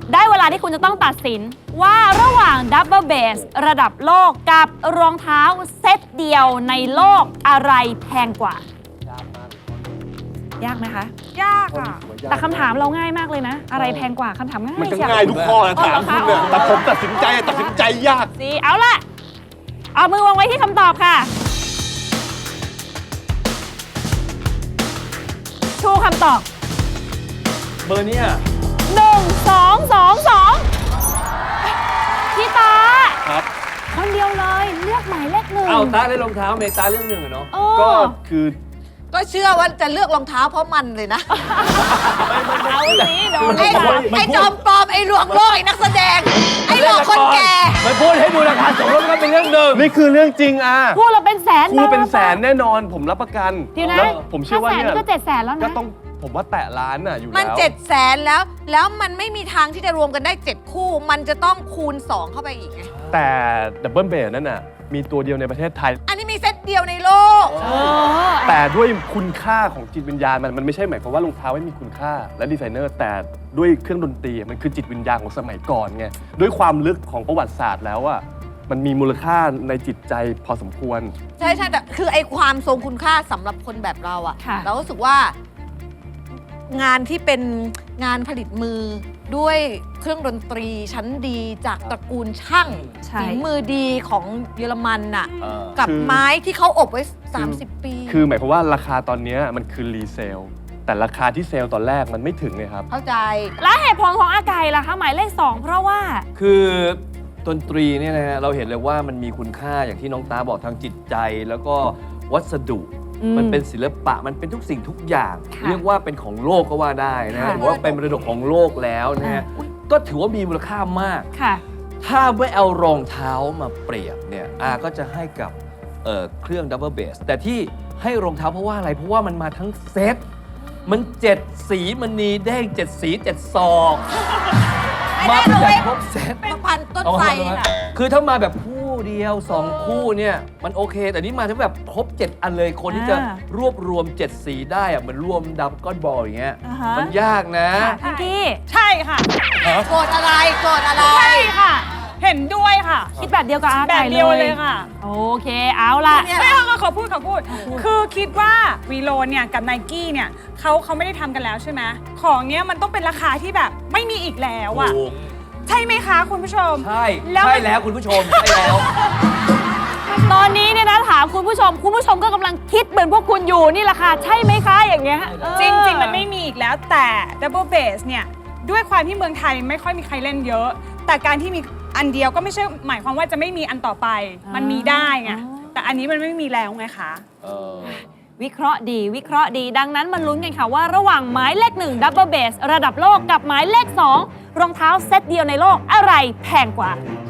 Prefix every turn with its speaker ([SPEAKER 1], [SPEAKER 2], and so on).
[SPEAKER 1] ได้เวลาที่คุณจะต้องตัดสินว่าระหว่างดับเบิลเบสระดับโลกกับรองเท้าเซตเดียวในโลกอะไรแพงกว่า ยากไหมคะ
[SPEAKER 2] ยากอ่ะ
[SPEAKER 1] แต่คำถามเราง่ายมากเลยนะ อะไรแพงกว่าคำถามง่าย
[SPEAKER 3] มันก็
[SPEAKER 1] เชียว
[SPEAKER 3] ง่ายทุกข้อนะถามคุณเนี่ยแต่ผมตัดสินใจยาก
[SPEAKER 1] สิเอาล่ะ เอามือวางไว้ที่คำตอบค่ะ ชูคำตอบ
[SPEAKER 4] เบอร์เนี้ย
[SPEAKER 1] 1 2 2 2พี่ตา
[SPEAKER 3] ครับ
[SPEAKER 1] คนเดียวเลยเลือกหมายเลขหนึ่ง
[SPEAKER 4] เอาตาเล่นรองเท้าเมตาเรื่องหนึ่งอะเนาะ
[SPEAKER 1] โอ้
[SPEAKER 3] ก็คือ
[SPEAKER 2] ก็เชื่อว่าจะเลือกรองเท้าเพราะมันเลยนะ
[SPEAKER 1] เอาสิโดน
[SPEAKER 2] ไอ้จอมปลอมไอ้หลวงโลกไอ้นักแสดง ไอ้หลอกคนแก่
[SPEAKER 4] มันพูดให้ดูราคาสมรสก็เป็นเรื่องหนึ่ง
[SPEAKER 3] นี่คือเรื่องจริงอ่ะ
[SPEAKER 1] พูดเราเป็นแสน
[SPEAKER 3] ครูเป็นแสนแน่นอนผมรับประกัน
[SPEAKER 1] เดี๋ยวนะ
[SPEAKER 3] แล้วผมเชื่อว่า
[SPEAKER 1] 500,000
[SPEAKER 3] เนี่ย
[SPEAKER 1] นี่ก็700,000แล้วนะ
[SPEAKER 3] ก็ต้องผมว่าแตะล้านน่ะอยู่แล้ว
[SPEAKER 2] มัน700,000แล้วมันไม่มีทางที่จะรวมกันได้ 7 คู่ มันจะต้องคูณ 2 เข้าไปอีกไง
[SPEAKER 3] แต่ดับเบิลเบสนั่นน่ะมีตัวเดียวในประเทศไทย
[SPEAKER 2] อันนี้มีเซตเดียวในโลก
[SPEAKER 3] แต่ด้วยคุณค่าของจิตวิญญาณมันไม่ใช่หมายความว่ารองเท้าไม่มีคุณค่าและดีไซเนอร์แต่ด้วยเครื่องดนตรีมันคือจิตวิญญาณของสมัยก่อนไงด้วยความลึกของประวัติศาสตร์แล้วอะมันมีมูลค่าในจิตใจพอสมควร
[SPEAKER 2] ใช่แต่คือไอ้ความทรงคุณค่าสำหรับคนแบบเราอะ
[SPEAKER 1] ค่ะ
[SPEAKER 2] เรารู้สึกว่า งานที่เป็นงานผลิตมือด้วยเครื่องดนตรีชั้นดีจากตระกูลช่าง
[SPEAKER 1] ใช่
[SPEAKER 2] ฝีมือดีของเยอรมันน่ะ
[SPEAKER 4] เออ
[SPEAKER 2] กับ
[SPEAKER 3] คือ
[SPEAKER 2] ไม้ที่เขาอบไว้ 30 ปี
[SPEAKER 3] คือหมายความว่าราคาตอนเนี้ยมันคือรีเซลแต่ราคาที่เซลล์ตอนแรกมันไม่ถึงเลยครับ
[SPEAKER 2] เข้าใจ
[SPEAKER 1] และเหตุผลของอากายล่ะคะหมายเลข 2 เพราะว่า
[SPEAKER 4] คือดนตรีเนี่ยนะฮะเราเห็นเลยว่ามันมีคุณค่าอย่างที่น้องตาบอกทางจิตใจแล้วก็วัสดุ มันเป็นศิลปะมันเป็นทุกสิ่งทุกอย่าง
[SPEAKER 1] ค่ะ
[SPEAKER 4] เรียกว่าเป็นของโลกก็ว่าได้นะ
[SPEAKER 1] ค่ะ
[SPEAKER 4] หรือว่าเป็นมรดกของโลกแล้วนะฮะก็ถือว่ามีมูลค่ามาก
[SPEAKER 1] ค่ะ
[SPEAKER 4] ถ้าไม่เอารองเท้ามาเปรียบเนี่ยก็จะให้กับเครื่องดับเบิลเบสแต่ที่ให้รองเท้าเพราะว่าอะไร เพราะว่ามันมาทั้งเซตมัน7 สีมันนีแดง7 สี7 ศอก มาเป็นแบบครบเซต
[SPEAKER 2] ประพันธ์ต้นไทรน่ะ
[SPEAKER 4] คือถ้ามาแบบคู่เดียว 2 คู่เนี่ยมันโอเค แต่นี่มาทั้งแบบครบ 7 อันเลยคนที่จะรวบรวม 7 สีได้อะเหมือนรวมดับก้อนบอลอย่างเงี้ย
[SPEAKER 1] อ่าฮะ
[SPEAKER 4] มันยากนะ
[SPEAKER 1] พิงกี้
[SPEAKER 5] ใช่ค่ะ
[SPEAKER 2] โกรธอะไรโกรธอะไร
[SPEAKER 5] ใช่ค่ะ เห็นด้วยค่ะ
[SPEAKER 1] คิดแบบเดียวกับอา
[SPEAKER 5] แบบ
[SPEAKER 1] กาย
[SPEAKER 5] เดียวเลยค่ะ
[SPEAKER 1] โอเคเอาล่ะ
[SPEAKER 2] เนี่ย
[SPEAKER 5] ไม่ขอพูด คือคิดว่าวีโลเนี่ยกับไนกี้เนี่ยเขาไม่ได้ทำกันแล้วใช่ไหมของเนี้ยมันต้องเป็นราคาที่แบบไม่มีอีกแล้วอะ
[SPEAKER 4] ถูก
[SPEAKER 5] ใช่ไหมคะคุณผู้ชม
[SPEAKER 4] ใช่
[SPEAKER 5] แล้ว
[SPEAKER 4] ใช่แล้วคุณผู้ชม ใช่แล้ว
[SPEAKER 1] ตอนนี้เนี่ยนะถามคุณผู้ชมก็กำลังคิดเหมือนพวกคุณอยู่นี่แหละค่ะใช่ไหมคะอย่างเงี้ย
[SPEAKER 5] จริง ๆ มันไม่มีอีกแล้วแต่ดับเบิลเบสเนี่ยด้วยความที่เมืองไทยไม่ค่อยมีใครเล่นเยอะ แต่การที่มีอันเดียวก็ไม่ใช่หมายความว่าจะไม่มีอันต่อไป มันมีได้ไงแต่อันนี้มันไม่มีแล้วไงคะ
[SPEAKER 1] วิเคราะห์ดีดังนั้นมาลุ้นกันค่ะว่าระหว่างหมายเลข 1 ดับเบิลเบสระดับโลกกับหมายเลข 2 รองเท้าเซตเดียวในโลกอะไรแพงกว่า